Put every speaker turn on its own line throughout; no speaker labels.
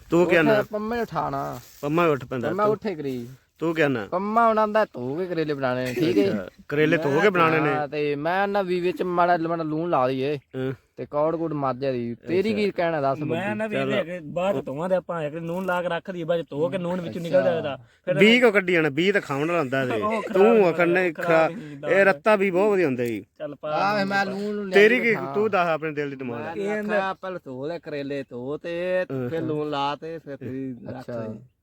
ਤੂੰ ਕਹਿੰਦਾ
ਪੰਮੇ ਉਠਾਣਾ
ਪੰਮਾ ਉੱਠ ਪੈਂਦਾ
ਪੰਮਾ ਉੱਠੇ ਕਰੀ
ਤੂੰ ਕਹਿੰਦਾ
ਪੰਮਾ ਉਣਾਂਦਾ ਧੋ ਕੇ ਕਰੇਲੇ ਬਣਾਣੇ ਨੇ ਠੀਕ ਹੈ
ਕਰੇਲੇ ਧੋ ਕੇ ਬਣਾਣੇ ਨੇ
ਤੇ ਮੈਂ ਨਾ ਵੀ ਵਿੱਚ ਮਾੜਾ ਲੂਣ ਲਾ ਲਈਏ ਤੇ ਕੌੜ ਕੁੜ ਮਾਜਿਆ ਦੀ ਤੇਰੀ ਕੀ ਕਹਿਣਾ ਦੱਸ
ਮੈਂ ਨਾ ਵੀ ਲੈ ਕੇ ਬਾਅਦ ਧੋਵਾਂ ਦੇ ਆਪਾਂ ਇੱਕ ਨੂਨ ਲਾ ਕੇ ਰੱਖ ਦੀ ਬਾਅਦ ਧੋ ਕੇ ਨੂਨ ਵਿੱਚੋਂ ਨਿਕਲ ਜਾਏਗਾ ਫਿਰ
20 ਕੋ ਕੱਢੀ ਜਾਣਾ 20 ਤਾਂ ਖਾਣ ਵਾਲਾ ਹੁੰਦਾ ਤੇ ਤੂੰ ਆਖਣੇ ਇਹ ਰੱਤਾ ਵੀ ਬਹੁਤ ਵਧੀਆ ਹੁੰਦਾ ਜੀ
ਚੱਲ ਪਾ
ਆ ਮੈਂ ਲੂਣ
ਤੇਰੀ ਕੀ ਤੂੰ ਦੱਸ ਆਪਣੇ ਦਿਲ ਦੀ ਡਿਮਾਂਡ
ਕਹਿੰਦਾ ਪਹਿਲ ਧੋ ਲੈ ਕਰੇਲੇ ਧੋ ਤੇ ਫਿਰ ਲੂਣ ਲਾ ਤੇ ਫਿਰ ਤੇਰੀ ਰੱਖ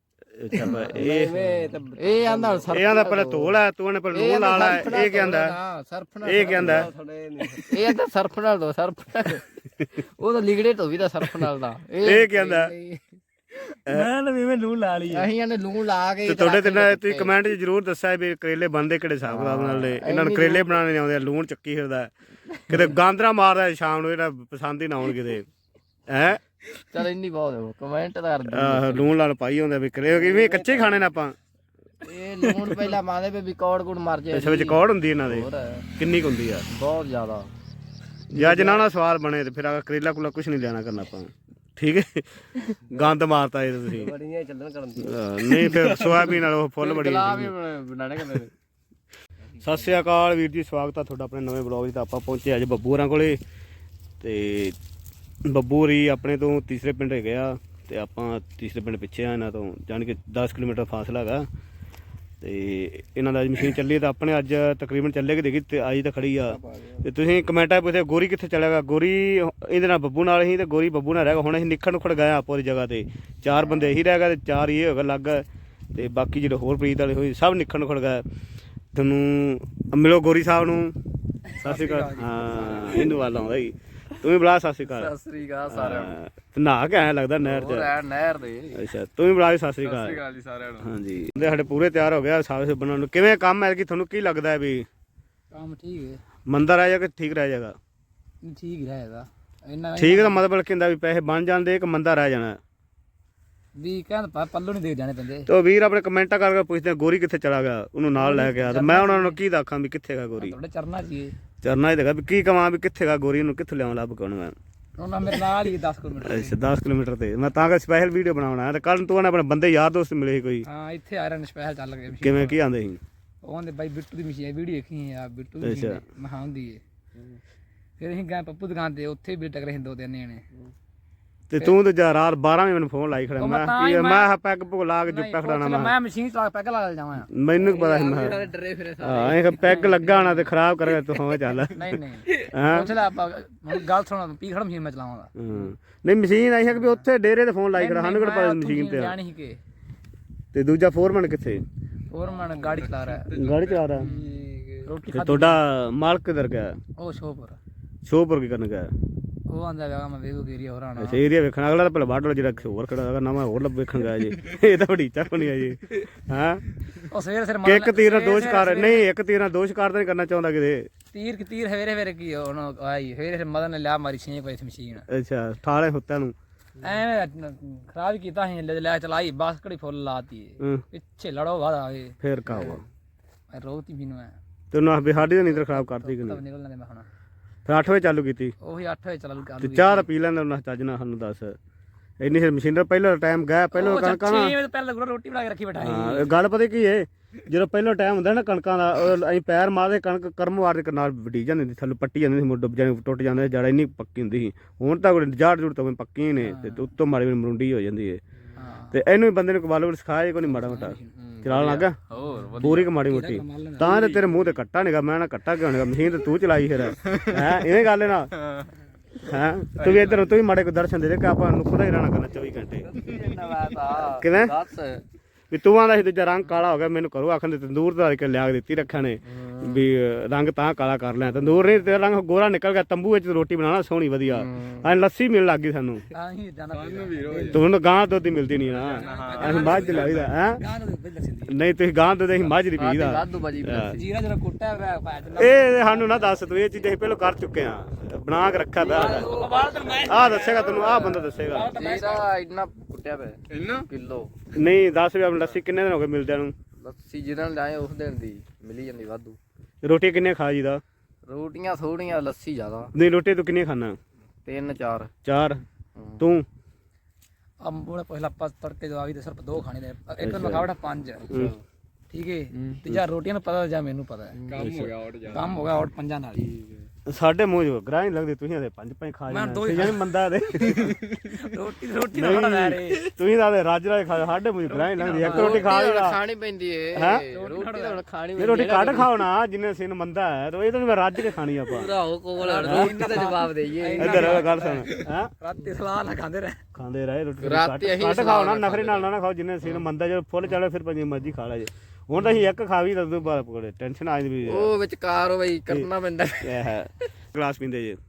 ਇਹ ਆਂਦਾ
ਇਹ ਆਂਦਾ ਪਹਿਲਾਂ ਧੋ ਲੈ ਤੂੰ ਨੇ ਪਹਿਲਾਂ ਲੂਣ ਲਾ ਲੈ ਇਹ ਕਹਿੰਦਾ
ਸਰਫ ਨਾਲ
ਇਹ ਕਹਿੰਦਾ
ਇਹ ਤਾਂ ਸਰਫ ਨਾਲ ਦੋ ਸਰਫ ਉਹ ਤਾਂ ਲਿਗੜੇ ਧੋਵੀ ਦਾ ਸਰਫ ਨਾਲ ਦਾ
ਇਹ ਕਹਿੰਦਾ
ਮੈਂ ਨਾ ਵੀ ਮੈਂ ਲੂਣ ਲਾ ਲਈ
ਅਸੀਂ ਇਹਨੇ ਲੂਣ ਲਾ ਕੇ
ਤੇ ਤੁਹਾਡੇ ਤੇ ਤੁਸੀਂ ਕਮੈਂਟ 'ਚ ਜ਼ਰੂਰ ਦੱਸਿਆ ਵੀ ਕਰੇਲੇ ਬਣਦੇ ਕਿਹੜੇ ਹਿਸਾਬ ਕਿਤਾਬ ਨਾਲ ਨੇ ਇਹਨਾਂ ਨੂੰ ਕਰੇਲੇ ਬਣਾਉਣੇ ਨਹੀਂ ਆਉਂਦੇ ਲੂਣ ਚੱਕੀ ਫਿਰਦਾ ਕਿਤੇ ਗਾਂਦਰਾ ਮਾਰਦਾ ਸ਼ਾਮ ਨੂੰ ਇਹਦਾ ਪਸੰਦ ਹੀ ਨਾ ਆਉਣ ਕਿਤੇ ਹੈ
ਚਲ ਇੰਨੀ ਬਹੁਤ ਕਮੈਂਟ ਕਰ ਦੇ
ਆਹ ਲੂਣ ਲਾਲ ਪਾਈ ਹੁੰਦਾ ਵੀ ਕਰੇ ਕਿਵੇਂ ਕੱਚੇ ਖਾਣੇ ਨੇ ਆਪਾਂ
ਇਹ ਲੂਣ ਪਹਿਲਾਂ ਮਾਦੇ ਵੀ ਕੌੜ ਕੁੜ ਮਰ ਜਾਏ
ਇਸ ਵਿੱਚ ਕੌੜ ਹੁੰਦੀ ਇਹਨਾਂ ਦੇ ਕਿੰਨੀ ਕੁ ਹੁੰਦੀ ਆ
ਬਹੁਤ ਜ਼ਿਆਦਾ
ਜਾਂ ਜਨਾਨਾ ਸਵਾਲ ਬਣੇ ਤੇ ਫਿਰ ਆ ਕਰੇਲਾ ਕੁਲਾ ਕੁਝ ਨਹੀਂ ਲੈਣਾ ਕਰਨਾ ਆਪਾਂ ਠੀਕ ਹੈ ਗੰਦ ਮਾਰਤਾ ਇਹ ਤੁਸੀਂ
ਬੜੀਆਂ ਚੱਲਣ ਕਰਨ ਦੀ
ਨਹੀਂ ਫਿਰ ਸੋਇਆਬੀਨ ਨਾਲ ਉਹ ਫੁੱਲ ਬੜੀ
ਬਣਾਣੇ ਕਹਿੰਦੇ
ਸਤਿ ਸ਼੍ਰੀ ਅਕਾਲ ਵੀਰ ਜੀ ਸਵਾਗਤ ਆ ਤੁਹਾਡਾ ਆਪਣੇ ਨਵੇਂ ਬਲੌਗ 'ਚ ਤਾਂ ਆਪਾਂ ਪਹੁੰਚੇ ਅੱਜ ਬੱਬੂ ਹੋਰਾਂ ਕੋਲੇ ਤੇ ਬੱਬੂ ਹੋਰੀ ਆਪਣੇ ਤੋਂ ਤੀਸਰੇ ਪਿੰਡ ਹੈਗੇ ਆ ਤੇ ਆਪਾਂ ਤੀਸਰੇ ਪਿੰਡ ਪਿੱਛੇ ਆ ਇਹਨਾਂ ਤੋਂ ਜਾਣੀ ਕਿ 10 ਕਿਲੋਮੀਟਰ ਫਾਸਲਾ ਹੈਗਾ ਤੇ ਇਹਨਾਂ ਦਾ ਅੱਜ ਮਸ਼ੀਨ ਚੱਲੀ ਤਾਂ ਆਪਣੇ ਅੱਜ ਤਕਰੀਬਨ ਚੱਲੇਗੀ ਦੇਖੀ ਤੇ ਅੱਜ ਤਾਂ ਖੜੀ ਆ ਤੇ ਤੁਸੀਂ ਕਮੈਂਟਾਂ ਪੁੱਛਿਆ ਗੋਰੀ ਕਿੱਥੇ ਚਲਾ ਗਿਆ ਗੋਰੀ ਇਹਦੇ ਨਾਲ ਬੱਬੂ ਨਾਲ ਹੀ ਤੇ ਗੋਰੀ ਬੱਬੂ ਨਾਲ ਰਹਿ ਗਿਆ ਹੁਣ ਅਸੀਂ ਨਿੱਖੜ ਨੁੱਖੜ ਗਏ ਆਪੋ ਦੀ ਜਗ੍ਹਾ ਤੇ 4 ਬੰਦੇ ਇਹੀ ਰਹਿ ਗਏ ਤੇ 4 ਇਹ ਹੋਗਾ ਲੱਗ ਤੇ ਬਾਕੀ ਜਿਹੜੇ ਹੋਰ ਪ੍ਰੀਤ ਵਾਲੇ ਹੋਏ ਸਭ ਨਿੱਖੜ ਨੁੱਖੜ ਗਏ ਤੁਹਾਨੂੰ ਮਿਲੋ ਗੋਰੀ ਸਾਹਿਬ ਨੂੰ ਸਤਿ ਸ਼੍ਰੀ ਅਕਾਲ ਹਾਂ ਇਹਨੂੰ ਵੱਲ ਆਉਂਦਾ ਜੀ ਤੂੰ ਵੀ ਬੁਲਾ ਸਤਿ ਸ਼੍ਰੀ ਅਕਾਲ
ਸਤਿ ਸ੍ਰੀ ਅਕਾਲ ਸਾਰਿਆਂ ਨੂੰ
ਨਹਾ ਕੇ ਆਇਆ ਲੱਗਦਾ ਨਹਿਰ 'ਚ
ਨਹਿਰ ਦੇ
ਅੱਛਾ ਤੂੰ ਵੀ ਬੁਲਾ ਸਤਿ ਸ਼੍ਰੀ ਅਕਾਲ
ਜੀ ਸਾਰਿਆਂ ਨੂੰ
ਹਾਂਜੀ ਬੰਦੇ ਸਾਡੇ ਪੂਰੇ ਤਿਆਰ ਹੋ ਗਿਆ ਸਾਬੇ ਬਣਾਉਣ ਨੂੰ ਕਿਵੇਂ ਕੰਮ ਹੈ ਕਿ ਤੁਹਾਨੂੰ ਕੀ ਲੱਗਦਾ ਹੈ ਵੀ
ਕੰਮ ਠੀਕ ਹੈ
ਮੰਦਾ ਰਹਿ ਜਾਏਗਾ ਠੀਕ ਰਹਿ ਜਾਏਗਾ
ਠੀਕ ਹੀ ਰਹੇਗਾ ਇੰਨਾ
ਠੀਕ ਦਾ ਮਤਲਬ ਕੀ ਹੁੰਦਾ ਵੀ ਪੈਸੇ ਬਣ ਜਾਂਦੇ ਇੱਕ ਮੰਦਾ ਰਹਿ ਜਾਣਾ
ਵੀ ਕਹਿੰਦਾ ਪੱਲੂ ਨਹੀਂ ਦੇ ਜਾਣੇ ਪੈਂਦੇ
ਤੇ ਉਹ ਵੀਰ ਆਪਣੇ ਕਮੈਂਟਾਂ ਕਰਕੇ ਪੁੱਛਦੇ ਗੋਰੀ ਕਿੱਥੇ ਚਲਾ ਗਿਆ ਉਹਨੂੰ ਨਾਲ ਲੈ ਕੇ ਆ ਤੇ ਮੈਂ ਉਹਨਾਂ ਨੂੰ ਕੀ ਦੱਸਾਂ ਵੀ ਕਿੱਥੇ ਗਾ ਗੋਰੀ
ਤੁਹਾਡੇ ਚਰਨਾ ਜੀ
ਚਰਨਾ ਹੀ ਦੇਗਾ ਵੀ ਕੀ ਕਵਾਂ ਵੀ ਕਿੱਥੇ ਗਾ ਗੋਰੀ ਨੂੰ ਕਿੱਥੋਂ ਲਿਆਉਂ ਲੱਭ ਕੇ ਉਹਨੂੰ ਮੈਂ
ਉਹਨਾਂ ਮੇਰੇ ਨਾਲ ਹੀ 10 ਕਿਲੋਮੀਟਰ
ਅੱਛਾ 10 ਕਿਲੋਮੀਟਰ ਤੇ ਮੈਂ ਤਾਂ ਕਿ ਸਪੈਸ਼ਲ ਵੀਡੀਓ ਬਣਾਉਣਾ ਤੇ ਕੱਲ ਨੂੰ ਤੂੰ ਆਪਣੇ ਬੰਦੇ ਯਾਰ ਦੋਸਤ ਮਿਲੇ ਸੀ ਕੋਈ
ਹਾਂ ਇੱਥੇ ਆਇਰਨ ਸਪੈਸ਼ਲ ਚੱਲ ਗਏ
ਕਿਵੇਂ ਕੀ ਆਂਦੇ ਸੀ
ਉਹਨੇ ਬਾਈ ਬਿੱਟੂ ਦੀ ਮਸ਼ੀਨ ਵੀਡੀਓ ਦੇਖੀ ਆ ਬਿੱਟੂ ਦੀ ਮਸ਼ੀਨ ਮਹਾਂ ਹੁੰਦੀ ਏ ਫਿਰ ਅਸੀਂ ਗਏ ਪੱਪੂ ਦੁਕਾਨ ਤੇ ਉੱਥੇ ਵੀ ਟਕਰੇ ਹਿੰਦੋ ਦੇ ਨੇ
ਤੇ ਤੂੰ ਤੇ ਜਾ ਰਾਤ 12 ਵਜੇ ਮੈਨੂੰ ਫੋਨ ਲਾਈ ਖੜਾ ਮੈਂ ਪੈਗ ਪੁਗ ਲਾ ਕੇ ਜੁੱਪਾ ਖੜਾਣਾ
ਮੈਂ ਮਸ਼ੀਨ ਚਲਾ ਪੈਗ ਲਾ ਜਾਵਾਂ
ਮੈਨੂੰ ਕੀ ਪਤਾ ਸੀ ਮੈਂ
ਡਰੇ ਫਿਰੇ
ਹਾਂ ਇਹ ਪੈਗ ਲੱਗਾ ਹੋਣਾ ਤੇ ਖਰਾਬ ਕਰ ਗਿਆ ਤੂੰ ਹੋਵੇਂ ਚੱਲ
ਨਹੀਂ ਨਹੀਂ ਪੁੱਛ ਲੈ ਆਪਾਂ ਗੱਲ ਸੁਣ ਪੀ ਖੜਾ ਮਸ਼ੀਨ ਮੈਂ ਚਲਾਵਾਂਗਾ
ਨਹੀਂ ਮਸ਼ੀਨ ਆਈ ਹੈ ਕਿ ਉੱਥੇ ਡੇਰੇ ਤੇ ਫੋਨ ਲਾਈ ਖੜਾ ਸਾਨੂੰ ਕਿਹੜਾ ਪਤਾ ਮਸ਼ੀਨ ਤੇ
ਜਾਣੀ ਕਿ
ਤੇ ਦੂਜਾ ਫੋਰਮੈਨ ਕਿੱਥੇ
ਫੋਰਮੈਨ ਗਾੜੀ ਚਲਾ ਰਿਹਾ
ਗਾੜੀ ਚਲਾ ਰਿਹਾ
ਰੋਟੀ
ਤੇ ਤੁਹਾਡਾ ਮਾਲਕ ਕਿਧਰ ਗਿਆ
ਉਹ
ਸ਼ੋਪੁਰ ਕੀ ਕਰਨ ਗਿਆ
ਉਹ ਆਂਦਾ ਵੇਗਾ ਮੈਂ ਵੇਗੋ ਏਰੀਆ ਹੋਰ ਆਣਾ
ਅੱਛਾ ਏਰੀਆ ਵੇਖਣ ਅਗਲਾ ਤਾਂ ਪਹਿਲਾਂ ਬਾਟਲ ਜਿਹੜਾ ਹੋਰ ਖੜਾ ਹੈਗਾ ਨਵਾਂ ਹੋਰ ਲੱਭ ਵੇਖਣ ਗਿਆ ਜੀ ਇਹ ਤਾਂ ਬੜੀ ਚੱਕ ਨਹੀਂ ਆ ਜੀ ਹਾਂ
ਉਹ ਸਵੇਰ
ਇੱਕ ਤੀਰ ਨਾਲ ਦੋ ਸ਼ਿਕਾਰ ਨਹੀਂ ਇੱਕ ਤੀਰ ਨਾਲ ਦੋ ਸ਼ਿਕਾਰ ਤਾਂ ਨਹੀਂ ਕਰਨਾ ਚਾਹੁੰਦਾ ਕਿਤੇ
ਤੀਰ ਹਵੇਰੇ ਕੀ ਹੁਣ ਆਈ ਹਵੇਰੇ ਮਦਨ ਨੇ ਲਿਆ ਮਾਰੀ 6 ਵਜੇ ਮਸ਼ੀਨ
ਅੱਛਾ ਠਾਲੇ ਹੁੱਤਿਆਂ ਨੂੰ
ਐਵੇਂ ਖਰਾਬ ਹੀ ਕੀਤਾ ਸੀ ਲੈ ਚਲਾਈ ਬਸ ਘੜੀ ਫੁੱਲ ਲਾਤੀ ਪਿੱਛੇ ਲੜੋ ਵਾਦਾ ਆਵੇ
ਫੇਰ ਕਾਵਾ
ਮੈਂ ਰੋਤੀ ਮੈਨੂੰ ਐ
ਤੈਨੂੰ ਆ ਬਿਹਾੜੀ ਦਾ ਨੀਂਦਰ ਖਰਾਬ ਕਰਦੀ ਕਿ ਨਹੀਂ
ਨਿਕਲਣਾ ਮੈਂ ਹੁਣ
ਫਿਰ 8 ਵਜੇ ਚਾਲੂ ਕੀਤੀ
ਉਹੀ 8 ਵਜੇ ਚਾਲੂ ਕਰ
ਤੇ ਚਾਹ ਤਾਂ ਪੀ ਲੈਂਦਾ ਉਹਨਾਂ ਚੱਜ ਨਾਲ ਸਾਨੂੰ ਦੱਸ ਇੰਨੀ ਫਿਰ ਮਸ਼ੀਨਰ ਪਹਿਲਾਂ ਟਾਈਮ ਗਿਆ ਪਹਿਲਾਂ ਕਣਕਾਂ ਦਾ
6 ਵਜੇ ਪਹਿਲਾਂ ਰੋਟੀ ਬਣਾ ਕੇ ਰੱਖੀ ਬਿਠਾਈ
ਹਾਂ ਗੱਲ ਪਤਾ ਕੀ ਏ ਜਦੋਂ ਪਹਿਲਾਂ ਟਾਈਮ ਹੁੰਦਾ ਨਾ ਕਣਕਾਂ ਦਾ ਅਸੀਂ ਪੈਰ ਮਾਰਦੇ ਕਣਕ ਕਰਮਵਾਰ ਦੇ ਨਾਲ ਵੱਢੀ ਜਾਂਦੀ ਸੀ ਥੱਲੇ ਪੱਟੀ ਜਾਂਦੀ ਸੀ ਮੁੱਢ ਜਾਨੀ ਟੁੱਟ ਜਾਂਦੇ ਜੜ ਇੰਨੀ ਪੱਕੀ ਹੁੰਦੀ ਸੀ ਹੁਣ ਤਾਂ ਜੜ ਜੁੜ ਤਾਂ ਪੱਕੀਆਂ ਨੇ ਤੇ ਉੱਤੋਂ ਮਾੜੀ ਮਰੁੰਡੀ ਹੋ ਜਾਂਦੀ ਏ ਤੇ ਇਹਨੂੰ ਵੀ ਬੰਦੇ ਨੂੰ ਕਬਾਲ ਸਿਖਾਇਆ ਕੋਈ ਨਹੀਂ ਮਾੜਾ ਮੋਟਾ ਚਲਾਉਣ ਲੱਗਾ
ਹੋਰ
ਪੂਰੀ ਕਮਾੜੀ ਮੋਟੀ ਤਾਂ ਤੇ ਤੇਰੇ ਮੂੰਹ ਤੇ ਕੱਟਾ ਨਿਗਾ ਮੈਂ ਨਾ ਕੱਟਾ ਕਿਉਂ ਨਿਗਾ ਮਸ਼ੀਨ ਤੇ ਤੂੰ ਚਲਾਈ ਫਿਰ ਹੈ ਇਹ ਗੱਲ ਨਾ ਹੈ ਤੂੰ ਵੀ ਇੱਧਰ ਤੂੰ ਵੀ ਮਾੜੇ ਕੋ ਦਰਸ਼ਨ ਦੇ ਦੇ ਕਿ ਆਪਾਂ ਨੁਕਦਾ ਹੀ ਰਹਿਣਾ ਕਰਨਾ 24 ਘੰਟੇ ਕਿਵੇਂ ਵੀ ਤੂੰ ਆਂਦਾ ਸੀ ਦੂਜਾ ਰੰਗ ਕਾਲਾ ਹੋ ਗਿਆ ਮੈਨੂੰ ਕਰੋ ਆਖਣ ਦੇ ਤੰਦੂਰ ਦਾ ਕੇ ਲਿਆ ਕੇ ਦਿੱਤੀ ਰੱਖਿਆ ਨੇ ਵੀ ਰੰਗ ਤਾਂ ਕਾਲਾ ਕਰ ਲਿਆ ਤੰਦੂਰ ਨਹੀਂ ਤੇ ਰੰਗ ਗੋਰਾ ਨਿਕਲ ਗਿਆ ਤੰਬੂ ਵਿੱਚ ਰੋਟੀ ਬਣਾਉਣਾ ਸੋਹਣੀ ਵਧੀਆ ਐ ਲੱਸੀ ਮਿਲਣ ਲੱਗ ਗਈ ਸਾਨੂੰ ਤੁਹਾਨੂੰ ਗਾਂ ਦੁੱਧ ਹੀ ਮਿਲਦੀ ਨਹੀਂ ਨਾ ਅਸੀਂ ਮੱਝ ਲਾਈਦਾ ਹੈ ਨਹੀਂ ਤੁਸੀਂ ਗਾਂ ਦੁੱਧ ਅਸੀਂ ਮੱਝ ਦੀ ਪੀਦਾ ਇਹ ਸਾਨੂੰ ਨਾ ਦੱਸ ਤੂੰ ਇਹ ਚੀਜ਼ਾਂ ਅਸੀਂ ਪਹਿਲਾਂ ਕਰ ਚੁੱਕੇ ਆ ਬਣਾ ਕੇ ਰੱਖਿਆ ਪਿਆ ਆਹ ਦੱਸੇਗਾ ਤੈਨੂੰ ਆਹ ਬੰਦਾ ਦੱਸੇਗਾ
ਇੰਨਾ ਕੁੱਟਿਆ ਪਿਆ ਇੰਨਾ ਕਿਲੋ
ਨਹੀਂ ਦੱਸ ਵੀ ਆਪਣੀ ਲੱਸੀ ਕਿੰਨੇ ਦਿਨ ਹੋ ਗਏ ਮਿਲਦਿਆਂ ਨੂੰ
ਲੱਸੀ ਜਿਹਨਾਂ ਲਾਏ ਉਸ ਦਿਨ ਦੀ ਮਿਲੀ ਜਾਂਦੀ ਵਾਧੂ
ਰੋਟੀ ਕਿੰਨੇ ਖਾ ਜੀਦਾ
ਰੋਟੀਆਂ ਥੋੜੀਆਂ ਲੱਸੀ ਜ਼ਿਆਦਾ
ਨਹੀਂ ਰੋਟੀ ਤੂੰ ਕਿੰਨੀ ਖਾਣਾ
3 4
4 ਤੂੰ
ਉਹਨੇ ਪਹਿਲਾਂ ਆਪਾਂ ਤੜਕੇ ਜਵਾਬੀ ਤੇ ਸਿਰਫ 2 ਖਾਣੇ ਨੇ ਇੱਕ ਨੂੰ ਖਾਵੜਾ 5 ਠੀਕ ਹੈ ਤੇ ਜਾਂ ਰੋਟੀਆਂ ਨੂੰ ਪਤਾ ਜਾਂ ਮੈਨੂੰ ਪਤਾ ਕੰਮ ਹੋ ਗਿਆ ਆਊਟ 5 ਨਾਲ ਹੀ
ਸਾਡੇ ਮੂੰਹ ਜੋ ਗਰਾਹ ਨਹੀਂ ਲੱਗਦੀ ਤੁਸੀਂ ਆਦੇ 5 ਖਾ ਜਾਂਦੇ ਜਾਨੀ ਮੰਦਾ ਦੇ
ਰੋਟੀ ਨਾ ਖਾਣਾ ਲੈ ਰੇ
ਤੁਸੀਂ ਤਾਂ ਰੱਜ ਰਾਜ ਖਾ ਸਾਡੇ ਮੂੰਹ ਗਰਾਹ ਨਹੀਂ ਲੱਗਦੀ ਇੱਕ ਰੋਟੀ ਖਾ ਲੈਣਾ
ਖਾਣੀ ਪੈਂਦੀ ਏ ਰੋਟੀ ਤਾਂ ਖਾਣੀ
ਇਹ ਰੋਟੀ ਕੱਢ ਖਾਓ ਨਾ ਜਿੰਨੇ ਸਿਨ ਮੰਦਾ ਹੈ ਤੇ ਇਹ ਤਾਂ ਮੈਂ ਰੱਜ ਕੇ ਖਾਣੀ ਆਪਾਂ
ਭਰਾਓ ਕੋਲ ਰੋਟੀ ਦਾ ਜਵਾਬ ਦੇਈਏ
ਇੱਧਰ ਗੱਲ ਸੁਣ ਹੈ
ਰਾਤੀ ਸਲਾਹ ਨਾ ਖਾਂਦੇ ਰਹੇ
ਰੋਟੀ
ਰਾਤੀ ਅਸੀਂ
ਕੱਢ ਖਾਓ ਨਾ ਨਖਰੇ ਨਾਲ ਨਾ ਖਾਓ ਜਿੰਨੇ ਸਿਨ ਮੰਦਾ ਜਦੋਂ ਫੁੱਲ ਚੜੇ ਫਿਰ ਪੰਜੀ ਮਰਜੀ ਖਾ ਲੈ ਜੇ ਹੁਣ ਤਾਂ ਅਸੀਂ ਇੱਕ ਖਾਵੀ ਤਾਂ ਉਦੋਂ ਬਾਅਦ ਪਕੜੇ ਟੈਨਸ਼ਨ ਆ ਜਾਂਦੀ
ਉਹ ਵਿਚਕਾਰ ਬਈ ਕਰਨਾ ਪੈਂਦਾ
ਇਹ ਹੈ ਗਲਾਸ ਪੀਂਦੇ ਜੇ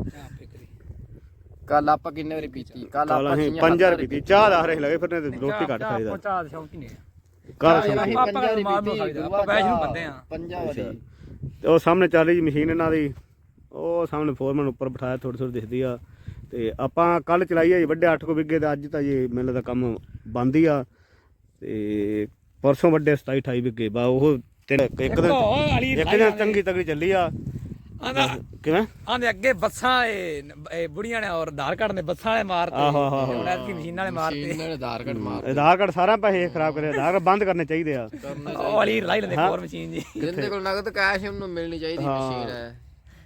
ਕੱਲ ਆਪਾਂ ਕਿੰਨੇ ਵਾਰੀ ਪੀਤੀ ਕੱਲ
ਕੱਲ
ਆਪਾਂ
ਅਸੀਂ 5000 ਪੀਤੀ ਚਾਹ ਦਾ ਹਰੇ ਲੱਗੇ ਫਿਰ ਨੇ ਰੋਟੀ ਘੱਟ ਖਾਈਦਾ
ਚਾਹ ਦੇ ਸ਼ੌਂਕ ਹੀ ਨਹੀਂ
ਕੱਲ
ਅਸੀਂ
ਆਪਾਂ ਆਪਾਂ ਵੈਸ਼ ਨੂੰ ਬੰਦੇ ਆ
50 ਵਾਰੀ
ਉਹ ਸਾਹਮਣੇ ਚੱਲ ਰਹੀ ਮਸ਼ੀਨ ਇਹਨਾਂ ਦੀ ਉਹ ਸਾਹਮਣੇ ਫੋਰਮੈਨ ਉੱਪਰ ਬਿਠਾਇਆ ਥੋੜੀ ਥੋੜੀ ਦਿਖਦੀ ਆ ਤੇ ਆਪਾਂ ਕੱਲ ਚਲਾਈ ਆ ਜੀ ਵੱਡੇ 8 ਵਿਗੇ ਤੇ ਅੱਜ ਤਾਂ ਜੀ ਮੈਨੂੰ ਦਾ ਕੰਮ ਬੰਦ ਹੀ ਆ ਤੇ ਪਰਸੋਂ ਵੱਡੇ 27 28 ਵਿਗੇ ਬਾ ਉਹ ਇੱਕ ਦਿਨ ਚੰਗੀ ਤਗੜੀ ਚੱਲੀ ਆ ਕਿਵੇਂ
ਆਂਦੇ ਅੱਗੇ ਬੱਸਾਂ ਇਹ ਬੁੜੀਆਂ ਨੇ ਔਰ ਆਧਾਰ ਕਾਰਡ ਨੇ ਬੱਸਾਂ ਵਾਲੇ ਮਾਰਤੇ ਹੁਣ ਐਤਕੀ ਮਸ਼ੀਨਾਂ ਵਾਲੇ ਮਾਰਤੇ
ਇਹਨਾਂ ਨੇ ਆਧਾਰ ਕਾਰਡ ਮਾਰ
ਆਧਾਰ ਕਾਰਡ ਸਾਰਾ ਪੈਸੇ ਖਰਾਬ ਕਰਿਆ ਆਧਾਰ ਕਾਰਡ ਬੰਦ ਕਰਨੇ ਚਾਹੀਦੇ ਆ
ਉਹ ਵਾਲੀ ਲਾਈ ਲੈਂਦੇ ਹੋਰ ਮਸ਼ੀਨ ਜੀ
ਜਿੰਦੇ ਕੋਲ ਨਗਦ ਕੈਸ਼ ਉਹਨੂੰ ਮਿਲਣੀ ਚਾਹੀਦੀ ਮਸ਼ੀਨ ਹੈ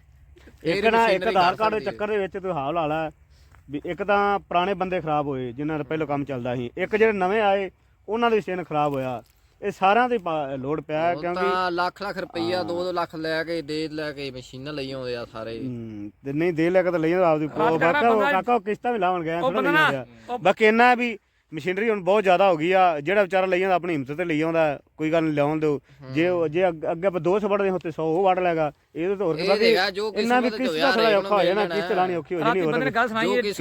ਇੱਕ ਨਾ ਇੱਕ ਆਧਾਰ ਕਾਰਡ ਦੇ ਚੱਕਰ ਦੇ ਵਿੱਚ ਤੂੰ ਹਾਲ ਹਾਲਾ ਵੀ ਇੱਕ ਤਾਂ ਪੁਰਾਣੇ ਬੰਦੇ ਖਰਾਬ ਹੋਏ ਜਿਨ੍ਹਾਂ ਦਾ ਪਹਿਲਾਂ ਕੰਮ ਚੱਲਦਾ ਸੀ ਇੱਕ ਜਿਹੜੇ ਨਵੇਂ ਆਏ ਉਹਨਾਂ ਦੀ ਮਸ਼ੀਨ ਖਰਾਬ ਹੋਇਆ ਇਹ ਸਾਰਿਆਂ ਦੀ ਲੋਡ ਪਿਆ ਕਿਉਂਕਿ
ਤਾਂ ਲੱਖ ਰੁਪਈਆ 2-2 ਲੱਖ ਲੈ ਕੇ ਮਸ਼ੀਨਾਂ ਲਈ ਆਉਂਦੇ ਆ ਸਾਰੇ
ਤੇ ਨਹੀਂ ਦੇ ਲੈ ਕੇ ਤਾਂ ਲਈ ਆਪਦੀ ਕਾਕਾ ਕਿਸ਼ਤਾਂ ਵੀ ਲਾਉਣ ਗਿਆ ਥੋੜਾ ਬਾਕੀ ਇੰਨਾ ਵੀ ਮਸ਼ੀਨਰੀ ਹੁਣ ਬਹੁਤ ਜ਼ਿਆਦਾ ਹੋ ਗਈ ਆ ਜਿਹੜਾ ਵਿਚਾਰਾ ਲਈ ਜਾਂਦਾ ਆਪਣੀ ਹਿੰਮਤ ਤੇ ਲਈ ਆਉਂਦਾ ਕੋਈ ਗੱਲ ਨਹੀਂ ਲਿਆਉਣ ਦਿਓ ਜੇ ਅੱਗੇ ਆਪਾਂ 200 ਵੜਦੇ ਹੁੰਦੇ 100 ਉਹ ਵੜ ਲੈਗਾ ਇਹਦੇ ਤੋਂ ਹੋਰ ਇਹਨਾਂ ਦੀ ਕਿਸ਼ਤ ਦਾ ਥੋੜਾ ਔਖਾ ਹੋ ਜਾਣਾ ਕਿਸ਼ਤ ਲਾਣੀ ਔਖੀ ਹੋ ਜਾਣੀ ਹੋਰ
ਬੰਦੇ ਨੇ ਗੱਲ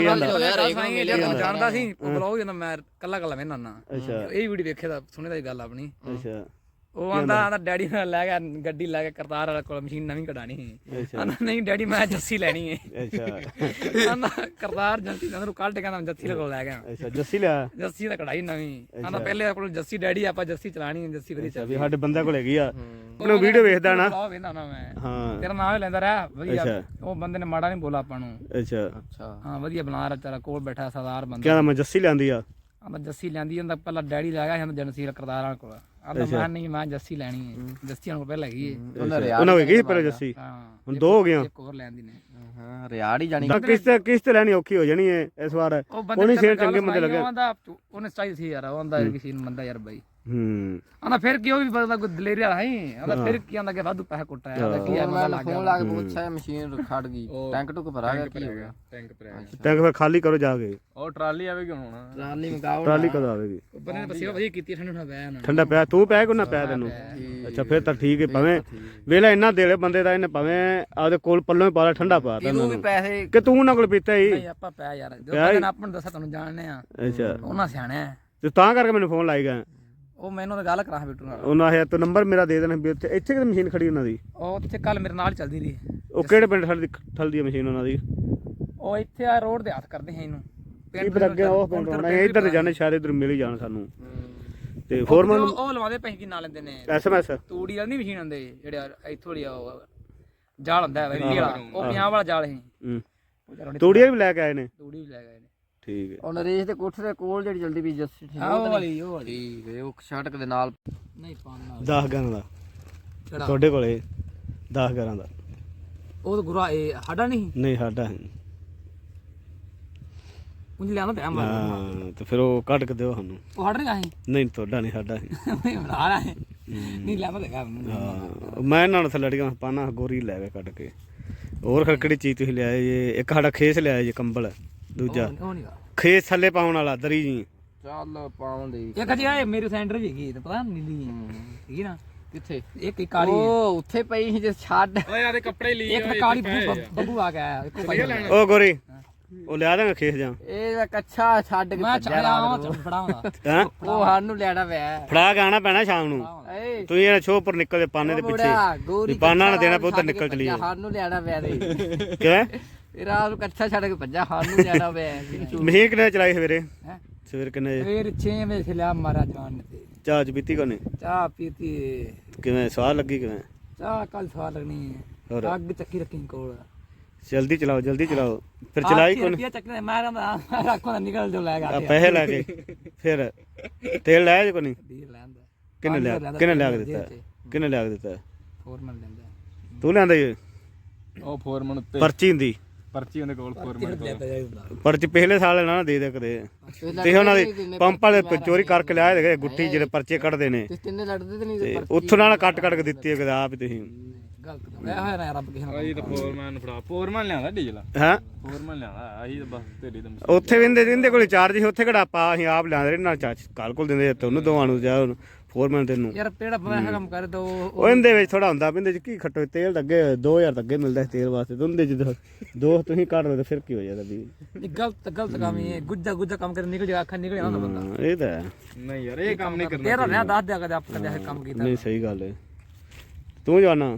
ਸੁਣਾਈ ਜਾਣਦਾ ਸੀ ਉਹ ਬਲੌਗ ਜਦੋਂ ਮੈਂ ਕੱਲਾ ਵੇਖਣਾ ਨਾ ਇਹ ਵੀਡੀਓ ਵੇਖੇ ਤਾਂ ਸੁਣੇ ਦਾ ਗੱਲ ਆਪਣੀ
ਅੱਛਾ
ਉਹ ਆਂਦਾ ਡੈਡੀ ਨਾਲ ਲੈ ਗਿਆ ਗੱਡੀ ਲੈ ਕੇ ਕਰਤਾਰ ਵਾਲੇ ਕੋਲ ਮਸ਼ੀਨ ਨਵੀਂ ਕਢਾਣੀ ਸੀ ਆਂਦਾ ਨਹੀਂ ਡੈਡੀ ਮੈਂ ਜੱਸੀ ਲੈਣੀ ਹੈ ਅੱਛਾ ਆਂਦਾ ਕਰਤਾਰ ਜੱਸੀ ਨੂੰ ਕੱਢ ਕੇ ਕਹਿੰਦਾ ਜੱਸੀ ਕੋਲ ਲੈ ਗਿਆ
ਅੱਛਾ ਜੱਸੀ ਲਿਆ
ਜੱਸੀ ਦਾ ਕਢਾਈ ਨਵੀਂ ਆਂਦਾ ਪਹਿਲੇ ਕੋਲ ਜੱਸੀ ਡੈਡੀ ਆਪਾਂ ਜੱਸੀ ਚਲਾਣੀ ਹੈ ਜੱਸੀ ਵਧੀਆ
ਵੀ ਸਾਡੇ ਬੰਦੇ ਕੋਲ ਹੈਗੀ ਆ ਉਹਨੂੰ ਵੀਡੀਓ ਵੇਖਦਾ ਨਾ
ਵੇਖਦਾ ਨਾ ਮੈਂ
ਹਾਂ
ਤੇਰਾ ਨਾਮ ਹੀ ਲੈਂਦਾ ਰਿਹਾ ਵਧੀਆ ਉਹ ਬੰਦੇ ਨੇ ਮਾੜਾ ਨਹੀਂ ਬੋਲਾ ਆਪਾਂ ਨੂੰ
ਅੱਛਾ
ਹਾਂ ਵਧੀਆ ਬਣਾ ਰਿਹਾ ਤੇਰਾ ਕੋਲ ਬੈਠਾ ਸਰਦਾਰ ਬੰਦਾ
ਕਹਿੰਦਾ ਮੈਂ ਜੱਸੀ ਲਿਆਂਦੀ ਆ
ਆਂਦਾ ਜੱਸੀ ਲੈਂਦੀ ਜਾਂਦਾ ਪਹਿਲਾਂ ਡੈਡੀ ਲੈ ਗਿਆ ਜਨਸੀ ਕਰਤਾਰ ਵਾਲੇ ਕੋਲ ਆਂਦਾ ਮੈਂ ਨਹੀਂ ਮੈਂ ਜੱਸੀ ਲੈਣੀ ਹੈ ਜੱਸੀ ਹੁਣ ਪਹਿਲਾਂ ਹੈਗੀ ਹੈ
ਉਹਨਾਂ ਹੋਏਗੀ ਪਹਿਲਾਂ ਜੱਸੀ ਹੁਣ 2 ਹੋ ਗਈਆਂ
ਇੱਕ ਹੋਰ ਲੈਂਦੀ ਨੇ
ਹਾਂ ਰਿਆੜ ਹੀ ਜਾਣੀ
ਕਿਸ਼ਤ ਲੈਣੀ ਔਖੀ ਹੋ ਜਾਣੀ ਹੈ ਇਸ ਵਾਰ ਉਹਨੇ ਸ਼ੇਰ ਚੰਗੇ ਮੁੰਡੇ ਲੱਗੇ
ਉਹਨੇ ਚਾਹੀਦੀ ਸੀ ਯਾਰ ਉਹ ਆਂਦਾ ਕਿਸੇ ਨੂੰ ਮੰਦਾ ਯਾਰ ਬਾਈ
ਆਂਦਾ
ਫਿਰ ਕੀ ਉਹ ਵੀ ਬੰਦਾ ਕੋਈ ਦਲੇਰੀ ਵਾਲਾ ਹੈ ਆਂਦਾ ਫਿਰ ਕੀ ਆਂਦਾ ਕਿ ਵਾਧੂ ਪੈਸਾ ਕੁੱਟਾ ਆਂਦਾ ਕੀ ਯਾਰ
ਮੈਂ ਫੋਨ ਲਾ ਕੇ ਪੁੱਛਿਆ ਮਸ਼ੀਨ ਖੜ ਗਈ ਟੈਂਕ ਟੁਕ ਭਰਾ ਗਿਆ ਕੀ ਹੋ ਗਿਆ
ਟੈਂਕ ਫਿਰ ਖਾਲੀ ਕਰੋ ਜਾ ਕੇ
ਉਹ ਟਰਾਲੀ ਆਵੇਗੀ ਹੁਣ
ਟਰਾਲੀ ਮਗਾਓ
ਟਰਾਲੀ ਕਦੋਂ ਆਵੇਗੀ
ਬੰਦੇ ਨੇ ਪਸੀਵਾ ਵਧੀਆ ਕੀਤੀ ਠੰਡਾ ਪਿਆ ਨਾ
ਠੰਡਾ ਪਿਆ ਤੂੰ ਪਿਆ ਕੋ ਨਾ ਪਿਆ ਤੈਨੂੰ ਅੱਛਾ ਫਿਰ ਤਾਂ ਠੀਕ ਹੈ ਭਾਵੇਂ ਵੇਲਾ ਇੰਨਾ ਦੇਲੇ ਬੰਦੇ ਦਾ ਇਹਨੇ ਭਾਵੇਂ ਆਪਦੇ ਕੋਲ ਪੱਲੋਂ ਹੀ ਪਾ ਲਾ ਠੰਡਾ ਪਾ ਤਾ
ਤੂੰ ਵੀ ਪੈਸੇ
ਕਿ ਤੂੰ ਉਹਨਾਂ ਕੋਲ ਪੀਤਾ ਹੀ
ਨਹੀਂ ਆਪਾਂ ਪਿਆ ਯਾਰ ਜੋ ਬੰਦੇ ਨੇ ਆਪਾਂ ਨੂੰ ਦੱਸਿਆ ਤੁਹਾਨੂੰ ਜਾਣਨੇ ਆ
ਅੱਛਾ
ਉਹਨਾਂ ਸਿਆਣਾ
ਤੇ ਤਾਂ ਕਰਕੇ ਮੈਨੂੰ ਫੋਨ ਲਾਈ ਗਿਆ
ਉਹ ਮੈਨੂੰ ਤਾਂ ਗੱਲ ਕਰਾਂ ਬਿੱਟੂ ਨਾਲ
ਉਹਨਾਂ ਆਇਆ ਤੂੰ ਨੰਬਰ ਮੇਰਾ ਦੇ ਦੇਣਾ ਵੀ ਇੱਥੇ ਕਿਤੇ ਮਸ਼ੀਨ ਖੜੀ ਉਹਨਾਂ ਦੀ
ਉਹ ਉੱਥੇ ਕੱਲ ਮੇਰੇ ਨਾਲ ਚੱਲਦੀ ਰਹੀ
ਉਹ ਕਿਹੜੇ ਪਿੰਡ ਠਲਦੀ ਮਸ਼ੀਨ ਉਹਨਾਂ ਦੀ
ਉਹ ਇੱਥੇ ਆ ਰੋਡ ਦੇ ਹੱਥ ਕਰਦੇ ਹੈ ਇਹਨੂੰ
ਪਿੰਡ ਅੱਗੇ ਉਹ ਪਿੰਡ ਹੋਣਾ ਇੱਧਰ ਤੇ ਜਾਣੇ ਸ਼ਾਇਦ ਇੱਧਰ ਮਿਲ ਹੀ ਜਾਣ ਸਾਨੂੰ ਤੇ ਫੋਰਮਨ
ਉਹ ਲਵਾਦੇ ਪੈਸੇ ਕੀ ਨਾਲ ਲੈਂਦੇ ਨੇ
ਐਸਐਮਐਸ
ਤੂੜੀ ਵਾਲੀ ਨਹੀਂ ਮਸ਼ੀਨ ਹੁੰਦੇ ਜਿਹੜੇ ਇੱਥੋਂ ਦੀ ਜਾਲ ਹੁੰਦਾ ਹੈ ਵਾਲਾ ਉਹ 50 ਵਾਲਾ ਜਾਲ ਹੈ
ਤੂੜੀਆਂ ਵੀ ਲੈ ਕੇ ਆਏ ਨੇ
ਤੂੜੀ ਵੀ ਲੈ ਗਏ ਨੇ
ਠੀਕ ਹੈ
ਉਹ ਨਰੇਸ਼ ਦੇ ਕੋਠੇ ਦੇ ਕੋਲ ਜਿਹੜੀ ਜਲਦੀ ਵੀ ਜੱਸੀ ਠੀਕ
ਉਹ ਵਾਲੀ
ਠੀਕ ਹੈ ਉਹ ਸੜਕ ਦੇ ਨਾਲ
ਨਹੀਂ ਪਾਣਾ
10 ਗਾਂ ਦਾ ਤੁਹਾਡੇ ਕੋਲੇ 10 ਗਾਂ ਦਾ
ਉਹ ਤਾਂ ਗੁਰਾ ਇਹ ਸਾਡਾ ਨਹੀਂ
ਸਾਡਾ
ਉਂਝ ਲਿਆਂਦਾ ਤੇ ਮਾਰ
ਹਾਂ ਤੇ ਫਿਰ ਉਹ ਕੱਢ ਕੇ ਦਿਓ ਸਾਨੂੰ
ਉਹ ਸਾਡਾ ਨਹੀਂ ਆਹੀ
ਨਹੀਂ ਤੁਹਾਡਾ ਨਹੀਂ ਸਾਡਾ
ਬਣਾ ਰਹਾ ਹੈ ਨਹੀਂ ਲਿਆਂਦਾ ਤੇ
ਹਾਂ ਮੈਂ ਇਹਨਾਂ ਨੂੰ ਥੱਲੜੀਆਂ ਪਾਣਾ ਗੋਰੀ ਲੈ ਕੇ ਕੱਢ ਕੇ ਹੋਰ ਖੜਕੜੀ ਚੀਜ਼ ਤੁਸੀਂ ਲਿਆਏ ਜੇ ਇੱਕ ਸਾਡਾ ਖੇਸ ਲਿਆਏ ਜੇ ਕੰਬਲ ਦੂਜਾ ਖੇਸ ਥੱਲੇ ਪਾਉਣ ਵਾਲਾ ਦਰੀ ਜੀ
ਚੱਲ ਪਾਉਣ ਦੇ
ਇੱਕ ਜੀ ਆ ਮੇਰੇ ਸੈਂਟਰ ਵੀ ਹੈਗੀ ਤੇ ਪਤਾ ਨੀਲੀ ਹੈਗੀ ਨਾ
ਕਿੱਥੇ
ਇੱਕ ਕਾਲੀ
ਉਹ ਉੱਥੇ ਪਈ ਸੀ ਜੇ ਛੱਡ
ਓਏ ਆਦੇ ਕੱਪੜੇ ਲਈ
ਇੱਕ ਕਾਲੀ ਬੱਬੂ ਆ ਗਿਆ ਇੱਕ ਭਾਈ
ਉਹ ਗੋਰੀ ਉਹ ਲਿਆ ਦਾਂਗਾ ਖੇਸ ਜਾਂ
ਇਹ ਕੱਛਾ ਛੱਡ ਕੇ
ਮੈਂ ਚਾਹਿਆ ਫੜਾਉਂਦਾ
ਹਾਂ
ਉਹ ਸਾਨੂੰ ਲੈਣਾ ਪਿਆ
ਫੜਾ ਕੇ ਆਣਾ ਪੈਣਾ ਸ਼ਾਮ ਨੂੰ
ਏ
ਤੁਸੀਂ ਇਹਨਾਂ ਛੋਹ ਉੱਪਰ ਨਿਕਲਦੇ ਪਾਨੇ ਦੇ ਪਿੱਛੇ
ਗੋਰੀ
ਪਾਨਾ ਨਾ ਦੇਣਾ ਪਊ ਤਾਂ ਨਿਕਲ ਚਲੀ
ਸਾਨੂੰ ਲੈਣਾ ਪਿਆ ਦੇ
ਕਿਵੇਂ
ਇਹ ਰਾਤ ਨੂੰ ਕੱਛਾ ਛੱਡ ਕੇ ਭੱਜਾ ਸਾਨੂੰ ਲੈਣਾ ਪਿਆ
ਮਸ਼ੀਨ ਕਿੰਨੇ ਚਲਾਈ ਸਵੇਰੇ ਸਵੇਰ ਕਿੰਨੇ
ਫਿਰ 6 ਵਜੇ ਲਿਆ ਮਾਰਾ ਜਾਨ ਤੇ
ਚਾਹ ਚ ਪੀਤੀ ਕੋਨੇ
ਚਾਹ ਪੀਤੀ
ਕਿਵੇਂ ਸਵਾਦ ਲੱਗੀ ਕਿਵੇਂ
ਚਾਹ ਕੱਲ ਸਵਾਦ ਲੱਗਣੀ ਹੈ ਅੱਗ ਚੱਕੀ ਰੱਖੀ ਕੋਲ
ਜਲਦੀ ਚਲਾਓ ਫਿਰ ਚਲਾਈ ਕੋਣ
ਰੁਪਿਆ ਚੱਕਨੇ ਮੈਂ ਕਹਿੰਦਾ ਰੱਖੋ ਨਾ ਨਿਕਲ ਜੋ ਲੈ ਗਾ
ਪੈਸੇ ਲੈ ਕੇ ਫਿਰ ਤੇਲ ਲੈ ਜੇ ਕੋਣੀ
ਡੀਲ ਲੈਂਦਾ
ਕਿੰਨੇ ਲਿਆ ਕੇ ਦਿੱਤਾ
ਫੋਰਮਨ ਲੈਂਦਾ
ਤੂੰ ਲਿਆਂਦਾ ਜੀ
ਉਹ ਫੋਰਮਨ ਉੱਤੇ
ਪਰਚੀ ਹੁੰਦੀ
ਪਰਚੀ ਉਹਦੇ ਕੋਲ ਫੋਰਮਨ ਕੋਲ
ਪਰਚੀ ਪਹਿਲੇ ਸਾਲ ਨਾ ਦੇ ਦੇ ਕਦੇ ਤੇ ਉਹਨਾਂ ਦੇ ਪੰਪ ਵਾਲੇ ਚੋਰੀ ਕਰਕੇ ਲਿਆਏ ਦੇ ਗੁੱਟੀ ਜਿਹੜੇ ਪਰਚੇ ਕੱਢਦੇ ਨੇ
ਤੇ ਤਿੰਨੇ ਲੜਦੇ ਤੇ ਨਹੀਂ
ਤੇ ਉੱਥੋਂ ਨਾਲ ਕੱਟ ਕੇ ਦਿੱਤੀ ਕਦੇ ਆਪ ਹੀ ਤੁਸੀਂ
ਗਲਤ ਇਹ ਹੋਇਆ ਨਾ ਰੱਬ ਕਿਸੇ ਨੂੰ
ਅਸੀਂ ਤਾਂ ਫੋਰਮਨ ਫੜਾ ਫੋਰਮਨ ਲਿਆਂਦਾ ਡੀਜ਼ਲ
ਹਾਂ
ਫੋਰਮਨ ਲਿਆਂਦਾ ਅਸੀਂ ਤਾਂ ਬਸ ਤੇਰੀ ਤਾਂ
ਉੱਥੇ ਵਿੰਦੇ ਕੋਲ ਚਾਰਜ ਸੀ ਉੱਥੇ ਕਿਹੜਾ ਪਾ ਅਸੀਂ ਆਪ ਲਿਆਂਦੇ ਰਹੇ ਨਾਲ ਚਾਚ ਕਾਲ ਕੋਲ ਦਿੰਦੇ ਤੁਹਾਨੂੰ ਦੋਵਾਂ ਨੂੰ ਜਾ ਫੋਰਮੈਨ ਤੈਨੂੰ
ਯਾਰ ਪੇੜਾ ਪੈਸਾ ਕੰਮ ਕਰ ਦੋ
ਉਹ ਇਹਦੇ ਵਿੱਚ ਥੋੜਾ ਹੁੰਦਾ ਪਿੰਦੇ ਚ ਕੀ ਖੱਟੋ ਤੇਲ ਤਾਂ ਅੱਗੇ 2000 ਤਾਂ ਅੱਗੇ ਮਿਲਦਾ ਸੀ ਤੇਲ ਵਾਸਤੇ ਤੁੰਦੇ ਚ ਦੋ ਤੁਸੀਂ ਕੱਢ ਲਓ ਤੇ ਫਿਰ ਕੀ ਹੋ ਜਾਂਦਾ ਵੀ
ਗਲਤ ਕੰਮ ਹੀ ਹੈ ਗੁੱਜਾ ਕੰਮ ਕਰ ਨਿਕਲ ਜਾ ਅੱਖਾਂ ਨਿਕਲ ਜਾਂਦਾ ਬੰਦਾ
ਇਹ ਤਾਂ ਹੈ।
ਨਹੀਂ ਯਾਰ ਇਹ ਕੰਮ ਨਹੀਂ ਕਰਨਾ
ਤੇਰਾ ਨਾ ਦੱਸ ਦਿਆ ਕਦੇ ਆਪ ਕਦੇ ਕੰਮ ਕੀਤਾ
ਨਹੀਂ ਸਹੀ ਗੱਲ ਹੈ ਤੂੰ ਜਾਣਾ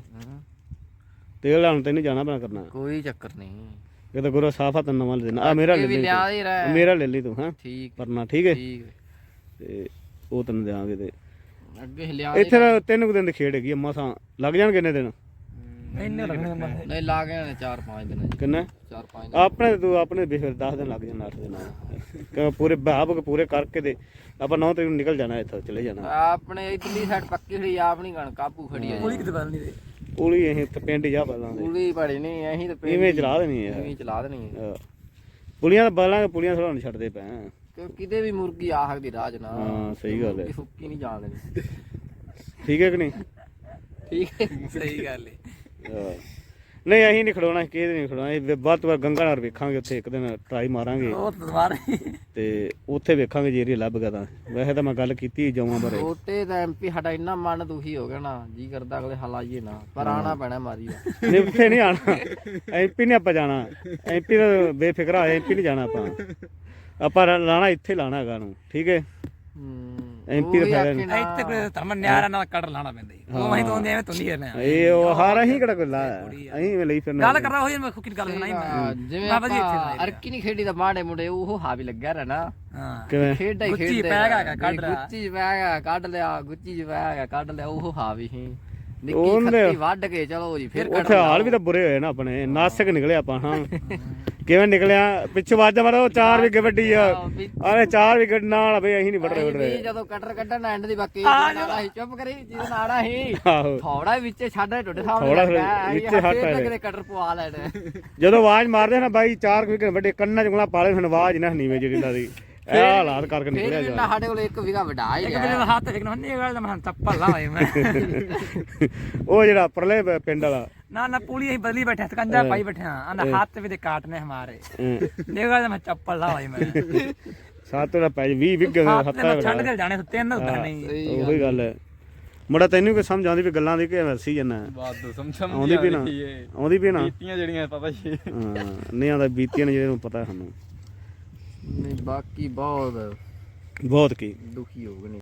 ਤੇਲ ਲਾਉਣ ਤੈਨੂੰ ਜਾਣਾ ਪੈਣਾ ਕਰਨਾ
ਕੋਈ ਚੱਕਰ ਨਹੀਂ
ਇਹ ਤਾਂ ਗੁਰੂ ਸਾਫਾ ਤੈਨੂੰ ਨਵਾਂ ਲੈ ਦੇਣਾ ਆ ਮੇਰਾ ਲੈ
ਇਹ ਵੀ
ਲਈ
ਲਿਆ ਹੀ ਰਹਿ
ਤੂੰ। ਮੇਰਾ ਲੈ ਲਈ ਤੂੰ ਹਾਂ
ਠੀਕ
ਪਰਨਾ ਠੀਕ ਹੈ
ਠੀਕ
ਤੇ ਉਹ ਤੈਨੂੰ ਦੇਵਾਂਗੇ ਤੇ
ਅੱਗੇ ਲਿਆ
ਇੱਥੇ ਤਾਂ 3 ਕੁ ਦਿਨ ਦੀ ਖੇਡ ਹੈਗੀ ਅੰਮਾ ਸਾਂ ਲੱਗ ਜਾਣ ਕਿੰਨੇ ਦਿਨ
ਇੰਨੇ ਲੱਗਣੇ
ਨਹੀਂ ਲਾ ਗਏ ਨੇ 4-5 ਦਿਨ ਜੀ
ਕਿੰਨੇ
4-5
ਆਪਣੇ ਤੂੰ ਆਪਣੇ ਵੀ ਫਿਰ 10 ਦਿਨ ਲੱਗ ਜਾਣ 8 ਦਿਨ ਕਿ ਪੂਰੇ ਬਾਬ ਪੂਰੇ ਕਰਕੇ ਤੇ ਆਪਾਂ 9 ਤਰੀਕ ਨੂੰ ਨਿਕਲ ਜਾਣਾ ਇੱਥੋਂ ਚਲੇ ਜਾਣਾ
ਆਪਣੇ ਇਧਰਲੀ ਸਾਈਡ ਪੱਕੀ ਖੜੀ ਆਪਣੀ ਕਣ ਕਾਬੂ ਖੜੀ ਆ
ਕੋਈ ਕਿਤੇ ਬਦਲ ਨਹੀਂ ਦੇ
ਪੂਰੀ ਇਹ ਤੇ ਪਿੰਡ ਜਾ ਬਲਾਂ ਦੇ
ਪੂਰੀ ਬੜੀ ਨਹੀਂ ਅਸੀਂ ਤਾਂ ਪਿੰਡ
ਇਵੇਂ ਚਲਾ ਦੇਣੀ ਹੈ
ਇਵੇਂ ਚਲਾ ਦੇਣੀ ਹੈ।
ਪੁਲੀਆਂ ਤਾਂ ਬਲਾਂਗੇ ਪੁਲੀਆਂ ਥੋੜਾ ਨਹੀਂ ਛੱਡਦੇ ਪਏ
ਕਿਉਂ ਕਿਤੇ ਵੀ ਮੁਰਗੀ ਆ ਸਕਦੀ ਰਾਜ ਨਾ
ਹਾਂ ਸਹੀ ਗੱਲ ਹੈ
ਮੁਰਗੀ ਸੁੱਕੀ ਨਹੀਂ ਜਾਣ ਦੇਣੀ
ਠੀਕ ਹੈ ਕਿ ਨਹੀਂ
ਠੀਕ ਹੈ
ਸਹੀ ਗੱਲ ਹੈ
ਹਾਂ। ਨਹੀਂ ਅਸੀਂ ਨਹੀਂ ਖੜਾਉਣਾ ਕਿਹਦੇ ਨਹੀਂ ਖੜਾਉਣਾ ਇਹ ਵੱਧ ਤੋਂ ਵੱਧ ਗੰਗਾ ਨਗਰ ਵੇਖਾਂਗੇ ਉੱਥੇ ਇੱਕ ਦਿਨ ਟਰਾਈ ਮਾਰਾਂਗੇ
ਉਹ ਦੁਬਾਰਾ
ਤੇ ਉੱਥੇ ਵੇਖਾਂਗੇ ਜੇ ਏਰੀਆ ਲੱਭ ਗਿਆ ਤਾਂ ਵੈਸੇ ਤਾਂ ਮੈਂ ਗੱਲ ਕੀਤੀ ਜਾਵਾਂ ਬਾਰੇ
ਛੋਟੇ ਦਾ ਐਮਪੀ ਸਾਡਾ ਇੰਨਾ ਮਨ ਦੁਖੀ ਹੋ ਗਿਆ ਨਾ ਜੀ ਕਰਦਾ ਅਗਲੇ ਹਲਾਈਏ ਨਾ ਪਰ ਆਣਾ ਪੈਣਾ ਮਾਰੀ ਦਾ
ਨਹੀਂ ਉੱਥੇ ਨਹੀਂ ਆਣਾ ਐਮਪੀ ਨੇ ਆਪਾਂ ਜਾਣਾ ਐਮਪੀ ਦਾ ਬੇਫਿਕਰਾ ਐਮਪੀ ਨਹੀਂ ਜਾਣਾ ਆਪਾਂ ਲਾਣਾ ਇੱਥੇ ਲਾਣਾ ਹੈਗਾ ਨੂੰ ਠੀਕ ਹੈ ਐਮਪੀ ਦਾ ਫਾਇਦਾ ਨਹੀਂ
ਇੱਥੇ ਕੋਈ ਧਰਮ ਨਿਆਰਾ ਨਾਲ ਕੱਢ ਲਾਣਾ ਪੈਂਦਾ ਜੀ ਉਹ ਅਸੀਂ ਤੋਂ ਐਵੇਂ ਤੋਂ ਨਹੀਂ ਕਰਨਾ
ਇਹ ਉਹ ਹਾਰ ਅਸੀਂ ਕਿਹੜਾ ਕੋਈ ਲਾ ਅਸੀਂ ਲਈ ਫਿਰਨਾ
ਗੱਲ ਕਰਦਾ ਹੋਈ ਮੈਂ ਖੁੱਕੀ ਗੱਲ ਸੁਣਾਈ ਮੈਂ
ਜਿਵੇਂ
ਬਾਬਾ ਜੀ ਇੱਥੇ
ਆਪਾਂ ਅਰਕੀ ਨਹੀਂ ਖੇਡੀ ਦਾ ਮਾੜੇ ਮੁੰਡੇ ਉਹ ਹਾਵੀ ਲੱਗਿਆ ਰਹਿਣਾ
ਹਾਂ
ਕਿਵੇਂ
ਖੇਡਾ ਹੀ
ਗੁੱਚੀ
ਖੇਡਦੇ
ਪੈ ਗਿਆ ਕੱਢ ਲਿਆ
ਗੁੱਚੀ ਪੈ ਗਿਆ ਕੱਢ ਲਿਆ ਗੁੱਚੀ ਚ ਪੈ ਗਿਆ ਕੱਢ ਲਿਆ ਉਹ ਹਾਵੀ ਸੀ ਨਿੱਕੀ
ਉਹਨੇ-
ਖੱਤੀ ਵੱਢ ਕੇ ਚਲੋ ਜੀ ਫਿਰ
ਉੱਥੇ ਹਾਲ ਵੀ ਤਾਂ ਬੁਰੇ ਹੋਏ ਨਾ ਆਪਣੇ ਨਾਸਕ ਨਿਕਲੇ ਆਪਾਂ ਹਾਂ ਕਿਵੇਂ ਨਿਕਲਿਆ ਪਿੱਛੇ ਵਾਜਾ ਮਾਰੋ 4 ਵਿਗੇ ਵੱਡੀ ਆ ਆਲੇ 4 ਵਿਗੇ ਨਾਲ ਬਈ ਅਸੀਂ ਨਹੀਂ ਵੱਢ ਰਹੇ
ਜਦੋਂ ਕਟਰ ਕੱਢਣ ਐਂਡ ਦੀ ਬਾਕੀ ਨਾਲਾ ਸੀ ਚੁੱਪ ਕਰੀ ਜਿਹਦਾ ਨਾੜਾ ਸੀ
ਆਹੋ
ਥੋੜਾ ਵਿੱਚੇ ਛੱਡ ਟੁੱਟੇ ਸਾਹਮਣੇ
ਥੋੜ੍ਹਾ
ਲੱਗਾ
ਵਿੱਚੇ ਹੱਥ ਆ
ਕਿਤੇ ਕਟਰ ਪਵਾ ਲੈਣਾ
ਜਦੋਂ ਆਵਾਜ਼ ਮਾਰਦੇ ਨਾ ਬਾਈ 4 ਵਿਗੇ ਵੱਡੇ ਕੰਨਾਂ ਚ ਉਂਗਲਾਂ ਪਾਲੇ ਹੁਣ ਆਵਾਜ਼ ਨਾ ਨੀਵੇਂ ਜਿਹੜੀ ਦਾ ਦੀ ਇਹ ਹਾਲਾਤ ਕਰਕੇ ਨਿਕਲਿਆ
ਫਿਰ
ਜਾ
ਸਾਡੇ ਕੋਲ ਇੱਕ ਵਿਗਾ ਵਡਾ ਹੀ
ਇੱਕ
ਗਿਆ
ਮੇਰੇ ਹੱਥ ਵੇਖਣਾ ਨਹੀਂ ਗੱਲ ਮੈਂ ਚੱਪਲ ਲਾਏ ਮੈਂ
ਉਹ ਜਿਹੜਾ ਪਰਲੇ ਪਿੰਡ ਵਾਲਾ
ਨਾ ਪੁਲੀ ਅਸੀਂ ਬਦਲੀ ਬੈਠੇ ਸਕੰਜਾ ਪਾਈ ਬੈਠੇ ਹਾਂ ਆਂਦਾ ਹੱਥ ਵੀ ਦੇ ਕਾਟਨੇ ਹਮਾਰੇ ਇਹ ਗੱਲ ਮੈਂ ਚੱਪਲ ਲਾਏ ਮੈਂ
ਸਾਤੋਂ ਦਾ ਪੈ 20 ਵਿਗੇ
ਹੱਥ
ਹੱਥਾਂ
ਮੈਂ ਛੱਡ ਕੇ ਜਾਣੇ ਸੁੱਤੇ ਇਹਨਾਂ ਹੁੰਦਾ ਨਹੀਂ
ਉਹੀ ਗੱਲ ਹੈ ਮੁੰਡਾ ਤੈਨੂੰ ਕੋਈ ਸਮਝ ਆਉਂਦੀ ਵੀ ਗੱਲਾਂ ਦੀ ਕਿ ਵਰਸੀ ਜਨਾ
ਬਾਤ ਸਮਝ
ਆਉਂਦੀ ਵੀ ਨਾ ਆਉਂਦੀ ਵੀ ਨਾ
ਬੀਤੀਆਂ ਜਿਹੜੀਆਂ ਪਤਾ ਹੀ
ਹਾਂ ਨਹੀਂ ਆਉਂਦਾ ਬੀਤੀਆਂ ਨੇ ਜਿਹਨੂੰ ਪਤਾ ਸਾਨੂੰ
ਨਹੀਂ ਬਾਕੀ ਬਹੁਤ
ਬਹੁਤ ਕੀ
ਦੁਖੀ ਹੋ ਗਏ ਨੇ